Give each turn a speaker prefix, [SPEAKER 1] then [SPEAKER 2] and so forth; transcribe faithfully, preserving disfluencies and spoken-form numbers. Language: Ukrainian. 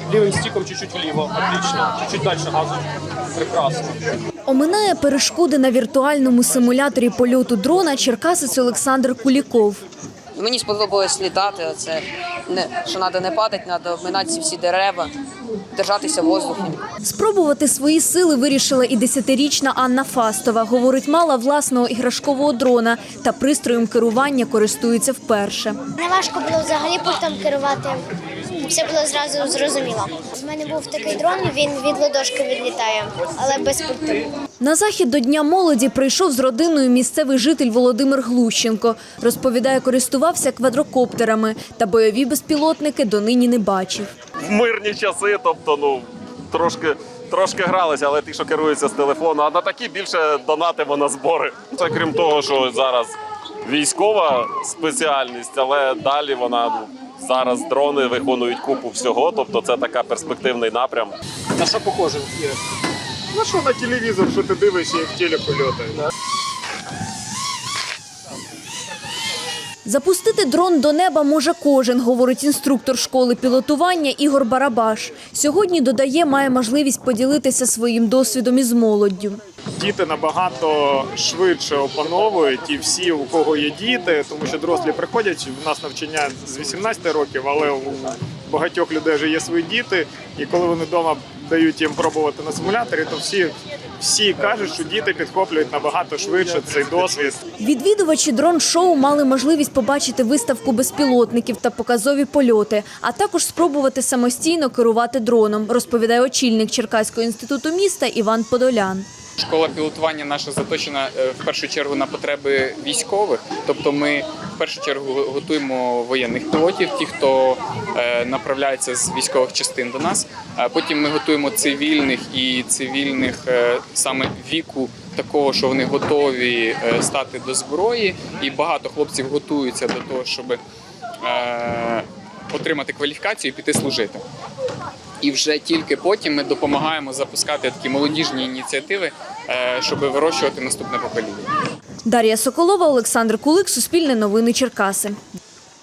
[SPEAKER 1] левым стиком чуть-чуть вліво. Отлично. Чуть дальше газу. Прекрасно.
[SPEAKER 2] Оминає перешкоди на віртуальному симуляторі польоту дрона черкасець Олександр Куліков.
[SPEAKER 3] Мені сподобалось літати, оце, не, що треба не падати, треба обминати ці всі дерева, держатися в воздухі.
[SPEAKER 2] Спробувати свої сили вирішила і десятирічна Анна Фастова. Говорить, мала власного іграшкового дрона та пристроєм керування користується вперше.
[SPEAKER 4] Не важко було взагалі пультом керувати, все було зразу зрозуміло. У мене був такий дрон, він від ладошки відлітає, але без пульту.
[SPEAKER 2] На захід до Дня молоді прийшов з родиною місцевий житель Володимир Глущенко. Розповідає, користувався квадрокоптерами та бойові безпілотники донині не бачив.
[SPEAKER 5] В мирні часи, тобто, ну, трошки, трошки гралися, але ті, що керуються з телефону, а на такі більше донатимо на збори. Це крім того, що зараз військова спеціальність, але далі вона, ну, зараз дрони виконують купу всього, тобто це така перспективний напрям.
[SPEAKER 1] На що похоже? Ігор?
[SPEAKER 6] Ну що на телевізор, що ти дивишся, як в телеку льотає.
[SPEAKER 2] Запустити дрон до неба може кожен, говорить інструктор школи пілотування Ігор Барабаш. Сьогодні, додає, має можливість поділитися своїм досвідом із молоддю.
[SPEAKER 6] Діти набагато швидше опановують, і всі, у кого є діти, тому що дорослі приходять, в нас навчання з вісімнадцяти років, але у багатьох людей вже є свої діти, і коли вони вдома дають їм пробувати на симуляторі, то всі, всі кажуть, що діти підхоплюють набагато швидше цей досвід.
[SPEAKER 2] Відвідувачі дрон-шоу мали можливість побачити виставку безпілотників та показові польоти, а також спробувати самостійно керувати дроном, розповідає очільник Черкаського інституту міста Іван Подолян.
[SPEAKER 7] Школа пілотування наша заточена в першу чергу на потреби військових. Тобто ми в першу чергу готуємо воєнних пілотів, ті, хто направляється з військових частин до нас. А потім ми готуємо цивільних і цивільних саме віку такого, що вони готові стати до зброї. І багато хлопців готуються до того, щоб отримати кваліфікацію і піти служити. І вже тільки потім ми допомагаємо запускати такі молодіжні ініціативи, щоб вирощувати наступне покоління.
[SPEAKER 2] Дар'я Соколова, Олександр Кулик, Суспільне новини, Черкаси.